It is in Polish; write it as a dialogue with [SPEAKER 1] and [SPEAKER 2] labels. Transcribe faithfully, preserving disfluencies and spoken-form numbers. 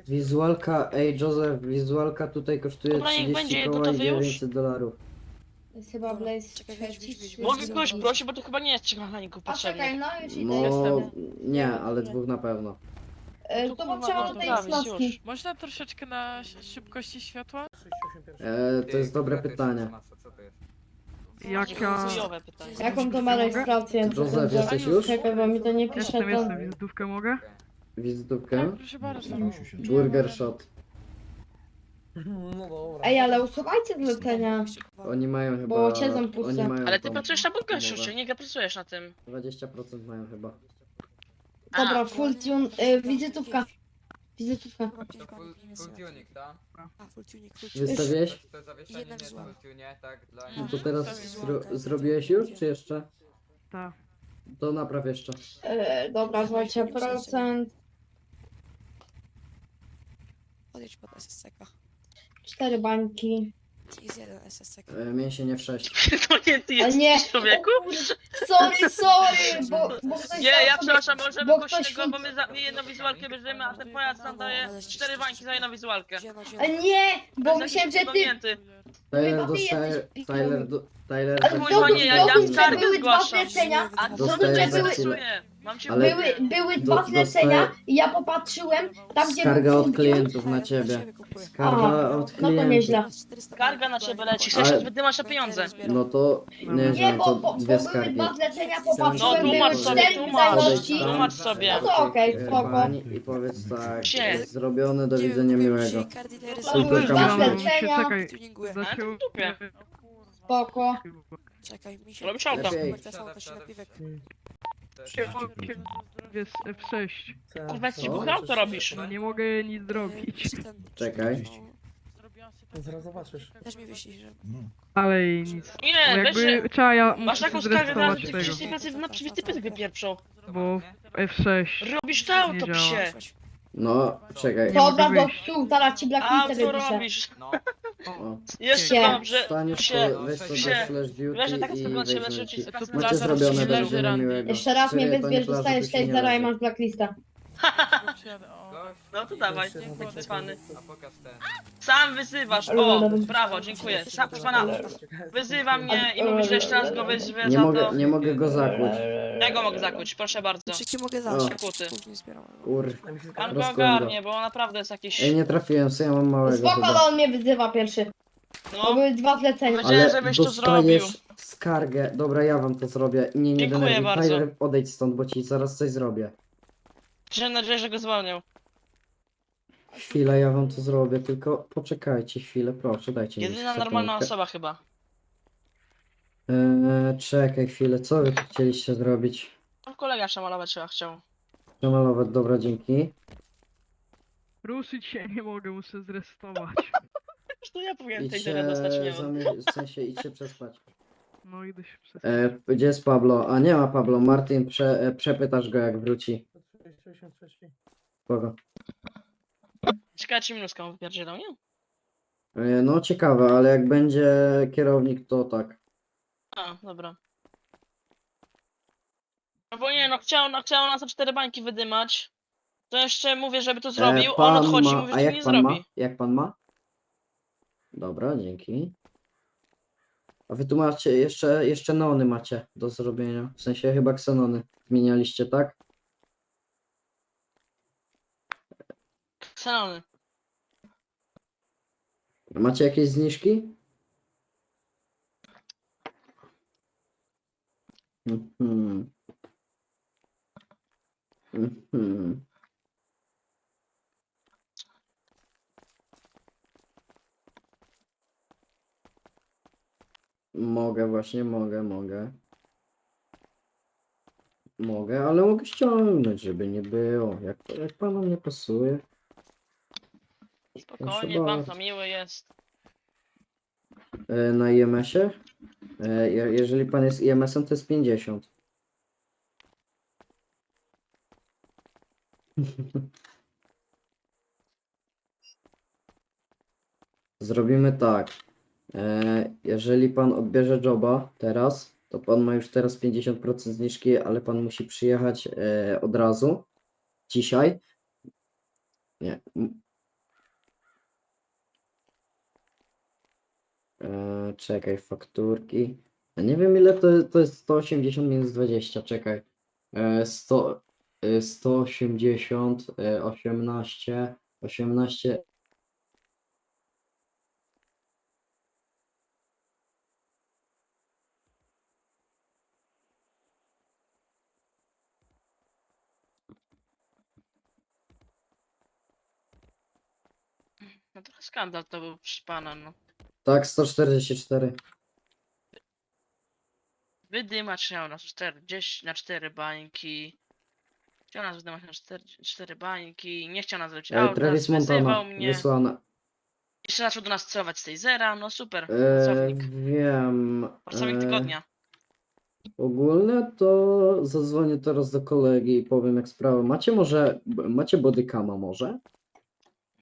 [SPEAKER 1] Wizualka, ej Joseph, wizualka tutaj kosztuje
[SPEAKER 2] Dobra, niech
[SPEAKER 1] trzydzieści
[SPEAKER 2] będzie,
[SPEAKER 1] koła i
[SPEAKER 2] gotowy już?
[SPEAKER 1] dziewięćset dolarów.
[SPEAKER 3] Jest chyba
[SPEAKER 4] Dobra,
[SPEAKER 3] Blaze
[SPEAKER 4] czekaj, weź,
[SPEAKER 3] trzeci
[SPEAKER 4] weź,
[SPEAKER 3] czy
[SPEAKER 4] weź,
[SPEAKER 2] Mogę
[SPEAKER 4] weź,
[SPEAKER 2] kogoś
[SPEAKER 4] weź.
[SPEAKER 2] prosić, bo to chyba nie jest trzech mechaników
[SPEAKER 3] A czekaj,
[SPEAKER 2] potrzebnych.
[SPEAKER 3] no już idę,
[SPEAKER 1] No,
[SPEAKER 3] już idę.
[SPEAKER 1] nie,
[SPEAKER 3] Ja
[SPEAKER 1] ale
[SPEAKER 3] już
[SPEAKER 1] dwóch na pewno.
[SPEAKER 3] E,
[SPEAKER 2] No
[SPEAKER 3] to
[SPEAKER 2] kurwa,
[SPEAKER 3] potrzeba
[SPEAKER 2] no to
[SPEAKER 3] tutaj
[SPEAKER 2] prawie,
[SPEAKER 3] wzmocni.
[SPEAKER 2] już.
[SPEAKER 5] Można troszeczkę na sz- szybkości światła?
[SPEAKER 1] E, to jest dobre pytanie.
[SPEAKER 5] Jaka...
[SPEAKER 2] Chujowe pytanie.
[SPEAKER 3] Jaką to ma rejestrację?
[SPEAKER 1] Joseph, jesteś już?
[SPEAKER 3] Czekaj, bo mi to nie pisze
[SPEAKER 5] Jestem,
[SPEAKER 3] to.
[SPEAKER 5] jestem, wizytówkę mogę?
[SPEAKER 1] Wizytówkę?
[SPEAKER 5] Tak, proszę bardzo.
[SPEAKER 1] Burger Shot.
[SPEAKER 6] No dobra.
[SPEAKER 3] Ej, ale usuwajcie zlecenia.
[SPEAKER 1] Oni mają chyba...
[SPEAKER 3] Bo cię zampuszczę.
[SPEAKER 1] Oni mają
[SPEAKER 2] Ale ty
[SPEAKER 1] tą
[SPEAKER 2] pracujesz na burgerze,
[SPEAKER 1] umowę.
[SPEAKER 2] nie nie pracujesz na tym.
[SPEAKER 1] dwadzieścia procent mają chyba.
[SPEAKER 3] Dobra,
[SPEAKER 2] A,
[SPEAKER 3] full tune, y, wizytówka. Wizytówka.
[SPEAKER 4] Kurwa, pięć
[SPEAKER 7] To full,
[SPEAKER 4] bańek nie
[SPEAKER 7] full
[SPEAKER 4] są.
[SPEAKER 7] tuning, tak?
[SPEAKER 4] A, full tuning, full tuning.
[SPEAKER 1] Wystawiłeś?
[SPEAKER 7] To zawieszenie
[SPEAKER 4] Jedna
[SPEAKER 7] nie jest
[SPEAKER 4] wizualna.
[SPEAKER 7] full tunie, tak? Dla
[SPEAKER 1] No
[SPEAKER 7] nich.
[SPEAKER 1] to teraz zro zrobiłeś już, czy jeszcze?
[SPEAKER 5] Tak.
[SPEAKER 1] To napraw jeszcze.
[SPEAKER 3] Y, dobra, dwadzieścia procent.
[SPEAKER 4] Podjedź pod S S C K.
[SPEAKER 3] Cztery bańki.
[SPEAKER 4] Jest jeden S S C K.
[SPEAKER 1] E, mięsienie w sześć.
[SPEAKER 2] to nie ty
[SPEAKER 3] A
[SPEAKER 2] jesteś
[SPEAKER 3] nie!
[SPEAKER 2] człowieku?
[SPEAKER 3] O kurde, sorry, sorry, bo, bo ktoś
[SPEAKER 2] Nie,
[SPEAKER 3] dał
[SPEAKER 2] ja
[SPEAKER 3] sobie-
[SPEAKER 2] przepraszam, możemy
[SPEAKER 3] bo
[SPEAKER 2] kogoś
[SPEAKER 3] ktoś
[SPEAKER 2] innego, bo
[SPEAKER 3] full-
[SPEAKER 2] my za my jedną wizualkę bierzemy, a ten pojazd nam daje cztery bańki za jedną wizualkę.
[SPEAKER 4] Gdzie, no, gdzie?
[SPEAKER 3] A nie, bo myślałem, że ty...
[SPEAKER 2] Pamięty.
[SPEAKER 1] Tyler
[SPEAKER 3] Chyba ty
[SPEAKER 1] dostaje...
[SPEAKER 3] jesteś pikiem.
[SPEAKER 1] Tyler do... Tyler
[SPEAKER 3] Ale
[SPEAKER 2] Kurwa,
[SPEAKER 1] dostaje...
[SPEAKER 2] nie, ja- ja
[SPEAKER 3] zrozum, że
[SPEAKER 2] skargę
[SPEAKER 3] były dwa
[SPEAKER 2] zgłaszam.
[SPEAKER 3] zlecenia,
[SPEAKER 2] A
[SPEAKER 3] zrozum,
[SPEAKER 1] Dostaję
[SPEAKER 3] że
[SPEAKER 1] za
[SPEAKER 3] były,
[SPEAKER 1] chwilę.
[SPEAKER 2] pracuję. Mam cię
[SPEAKER 1] Ale-
[SPEAKER 3] były, były
[SPEAKER 1] do-
[SPEAKER 3] dwa zlecenia
[SPEAKER 1] dostaję-
[SPEAKER 3] i ja popatrzyłem tam, gdzie
[SPEAKER 1] Skarga
[SPEAKER 3] był
[SPEAKER 1] od
[SPEAKER 3] full
[SPEAKER 1] klientów na ciebie. Skarga
[SPEAKER 3] A,
[SPEAKER 1] od
[SPEAKER 3] no to
[SPEAKER 1] klientów.
[SPEAKER 3] nieźle.
[SPEAKER 2] Skarga na ciebie leci, chcesz
[SPEAKER 1] Ale-
[SPEAKER 2] się wydymać na pieniądze.
[SPEAKER 1] No to... Nie,
[SPEAKER 3] Nie,
[SPEAKER 1] że
[SPEAKER 3] bo,
[SPEAKER 1] to
[SPEAKER 3] bo, bo
[SPEAKER 1] dwie
[SPEAKER 3] były
[SPEAKER 1] skargi.
[SPEAKER 3] dwa zlecenia,
[SPEAKER 2] No
[SPEAKER 3] popatrzyłem,
[SPEAKER 2] tłumacz
[SPEAKER 3] były
[SPEAKER 2] sobie,
[SPEAKER 3] cztery
[SPEAKER 2] tłumacz.
[SPEAKER 3] wydajności.
[SPEAKER 2] Tłumacz sobie.
[SPEAKER 3] No to okej,
[SPEAKER 1] E,
[SPEAKER 3] spoko.
[SPEAKER 1] pani I powiedz tak,
[SPEAKER 2] Gdzie?
[SPEAKER 1] zrobione, do widzenia miłego.
[SPEAKER 3] To były
[SPEAKER 1] Kulturka
[SPEAKER 3] dwa
[SPEAKER 1] musi-
[SPEAKER 3] zlecenia,
[SPEAKER 5] Czekaj,
[SPEAKER 4] Tuninguję.
[SPEAKER 2] Ale to
[SPEAKER 5] zaciął...
[SPEAKER 2] w dupie.
[SPEAKER 3] spoko.
[SPEAKER 4] Czekaj, mi się...
[SPEAKER 2] Robisz auto.
[SPEAKER 1] Lepiej.
[SPEAKER 4] To są, to się napiwek.
[SPEAKER 5] Jest F sześć.
[SPEAKER 2] Kurwa, ci
[SPEAKER 1] Co?
[SPEAKER 2] buch auto robisz.
[SPEAKER 5] No nie mogę nic zrobić.
[SPEAKER 4] Ten-
[SPEAKER 1] Czekaj.
[SPEAKER 4] No,
[SPEAKER 6] Zaraz zobaczysz.
[SPEAKER 4] Też mi wyślij, że...
[SPEAKER 5] Ale i nic. Bo
[SPEAKER 2] Nie, weź się.
[SPEAKER 5] jakby trzeba ja
[SPEAKER 2] Masz taką skargę, teraz
[SPEAKER 5] zrestować
[SPEAKER 2] ci
[SPEAKER 5] tego.
[SPEAKER 2] wszyscy pracy na przywity pysk wypieprzą.
[SPEAKER 5] Bo F sześć.
[SPEAKER 2] Robisz to auto,
[SPEAKER 5] Nie działa.
[SPEAKER 2] psie.
[SPEAKER 1] No, czekaj.
[SPEAKER 5] Nie
[SPEAKER 3] Dobra,
[SPEAKER 5] mogę
[SPEAKER 3] do
[SPEAKER 5] wyjść.
[SPEAKER 3] tu, zaraz ci
[SPEAKER 2] A
[SPEAKER 3] blacklistę
[SPEAKER 2] co
[SPEAKER 3] wypiszę.
[SPEAKER 2] robisz?
[SPEAKER 7] No,
[SPEAKER 1] O.
[SPEAKER 2] Jeszcze
[SPEAKER 3] Psie.
[SPEAKER 2] dobrze,
[SPEAKER 1] Staniesz
[SPEAKER 2] psie.
[SPEAKER 1] to, weź sobie
[SPEAKER 2] Psie.
[SPEAKER 1] flash duty
[SPEAKER 2] Wiesz, że tak
[SPEAKER 1] i
[SPEAKER 2] wygląda się
[SPEAKER 1] weź
[SPEAKER 2] leży
[SPEAKER 1] leci.
[SPEAKER 2] ci z pracy
[SPEAKER 1] Macie
[SPEAKER 2] plaża,
[SPEAKER 1] zrobione,
[SPEAKER 2] robisz
[SPEAKER 1] do
[SPEAKER 2] leży
[SPEAKER 1] widzenia
[SPEAKER 2] randy.
[SPEAKER 1] miłego.
[SPEAKER 3] Jeszcze raz mnie
[SPEAKER 1] Serio, to nie
[SPEAKER 3] wyzwiesz,
[SPEAKER 1] plaża,
[SPEAKER 3] dostajesz
[SPEAKER 1] tu się
[SPEAKER 3] sześć
[SPEAKER 1] nie
[SPEAKER 3] zera i
[SPEAKER 1] leży.
[SPEAKER 3] masz blacklistę.
[SPEAKER 2] No to dawaj,
[SPEAKER 6] Jeszcze
[SPEAKER 2] bądź cwany.
[SPEAKER 7] a pokaż ten.
[SPEAKER 2] Sam wyzywasz, o, brawo, dziękuję. Sam, pana, wyzywa mnie i mówisz, że jeszcze raz go wyzwę
[SPEAKER 1] Nie
[SPEAKER 2] za
[SPEAKER 1] mogę,
[SPEAKER 2] to.
[SPEAKER 1] nie mogę go zakłuć.
[SPEAKER 2] Ja go mogę zakuć, proszę bardzo.
[SPEAKER 4] Czy ci mogę
[SPEAKER 1] O.
[SPEAKER 4] dać?
[SPEAKER 2] Kuty.
[SPEAKER 4] Później nie zbieram.
[SPEAKER 1] Kur...
[SPEAKER 2] Pan go
[SPEAKER 1] Rozkłęba.
[SPEAKER 2] ogarnie, bo on naprawdę jest jakiś...
[SPEAKER 1] Ej, nie trafiłem, co ja mam małego
[SPEAKER 3] Spoko, ale
[SPEAKER 1] chyba.
[SPEAKER 3] on mnie wyzywa pierwszy. To
[SPEAKER 2] No,
[SPEAKER 3] były dwa zlecenia.
[SPEAKER 2] Powiedziałem,
[SPEAKER 1] Ale
[SPEAKER 2] żebyś to zrobił.
[SPEAKER 1] dostajesz skargę. Dobra, ja wam to zrobię. Nie, nie
[SPEAKER 2] Dziękuję
[SPEAKER 1] denerwuj.
[SPEAKER 2] bardzo.
[SPEAKER 1] Tyler, odejdź stąd, bo ci zaraz coś zrobię.
[SPEAKER 2] mam nadzieję, że go zwolnią.
[SPEAKER 1] Chwilę, ja wam to zrobię, tylko poczekajcie chwilę, proszę, dajcie mi
[SPEAKER 2] Jedyna normalna
[SPEAKER 1] sekundkę.
[SPEAKER 2] osoba chyba.
[SPEAKER 1] Eee, czekaj chwilę, co wy tu chcieliście zrobić?
[SPEAKER 2] Tam kolega szamalować chyba chciał.
[SPEAKER 1] Przemalować, dobra, dzięki.
[SPEAKER 5] Ruszyć się nie mogę, muszę zrestować.
[SPEAKER 2] Zresztą ja powinienem tej
[SPEAKER 1] Idźcie,
[SPEAKER 2] tyle dostać nie
[SPEAKER 1] zamie- w sensie idźcie przespać.
[SPEAKER 5] No idę się przez...
[SPEAKER 1] E, gdzie jest Pablo? A nie ma Pablo, Martin, prze, e, przepytasz go jak wróci. Kogo?
[SPEAKER 2] Ciekawe czy minuską wypierdzielą, nie?
[SPEAKER 1] E, no ciekawe, ale jak będzie kierownik, to tak.
[SPEAKER 2] A, dobra. No bo nie, no chciał, no chciał nas o cztery bańki wydymać. To jeszcze mówię, żeby to zrobił,
[SPEAKER 1] E,
[SPEAKER 2] on
[SPEAKER 1] pan
[SPEAKER 2] odchodzi i
[SPEAKER 1] ma,
[SPEAKER 2] mówi,
[SPEAKER 1] a
[SPEAKER 2] że
[SPEAKER 1] jak
[SPEAKER 2] nie
[SPEAKER 1] pan
[SPEAKER 2] zrobi.
[SPEAKER 1] ma? Jak pan ma? Dobra, dzięki. A wy tu macie, jeszcze, jeszcze neony macie do zrobienia. W sensie chyba ksenony zmienialiście, tak?
[SPEAKER 2] Ksenony.
[SPEAKER 1] Macie jakieś zniżki? Mhm. Mhm. Mogę właśnie, mogę, mogę. Mogę, ale mogę ściągnąć, żeby nie było. Jak, jak panom nie pasuje.
[SPEAKER 2] Spokojnie, pan to miły jest.
[SPEAKER 1] E, na I M S-ie? E, je- jeżeli pan jest I M S-em, to jest pięćdziesiąt. Zrobimy tak. E, jeżeli pan odbierze joba teraz, to pan ma już teraz pięćdziesiąt procent zniżki, ale pan musi przyjechać e, od razu. Dzisiaj. Nie. m- E, czekaj, fakturki. Ja nie wiem ile to, to jest sto osiemdziesiąt minus dwadzieścia, czekaj. E, sto, e, sto osiemdziesiąt, e, osiemnaście, osiemnaście.
[SPEAKER 2] No trochę skandal to był, proszę pana, no.
[SPEAKER 1] Tak, sto czterdzieści cztery.
[SPEAKER 2] Wydymacz miał nas czterdzieści na cztery bańki. Chciał nas wydymać na cztery, cztery bańki. Nie chciał nas zrobić
[SPEAKER 1] E,
[SPEAKER 2] auta,
[SPEAKER 1] Travis
[SPEAKER 2] wyzywał
[SPEAKER 1] Montana,
[SPEAKER 2] mnie.
[SPEAKER 1] wysłane.
[SPEAKER 2] Jeszcze zaczął do nas celować z tej zera, no super.
[SPEAKER 1] E,
[SPEAKER 2] Pracownik.
[SPEAKER 1] wiem.
[SPEAKER 2] Pracownik
[SPEAKER 1] e,
[SPEAKER 2] tygodnia.
[SPEAKER 1] Ogólnie to zadzwonię teraz do kolegi i powiem jak sprawa. Macie może, macie bodycama może?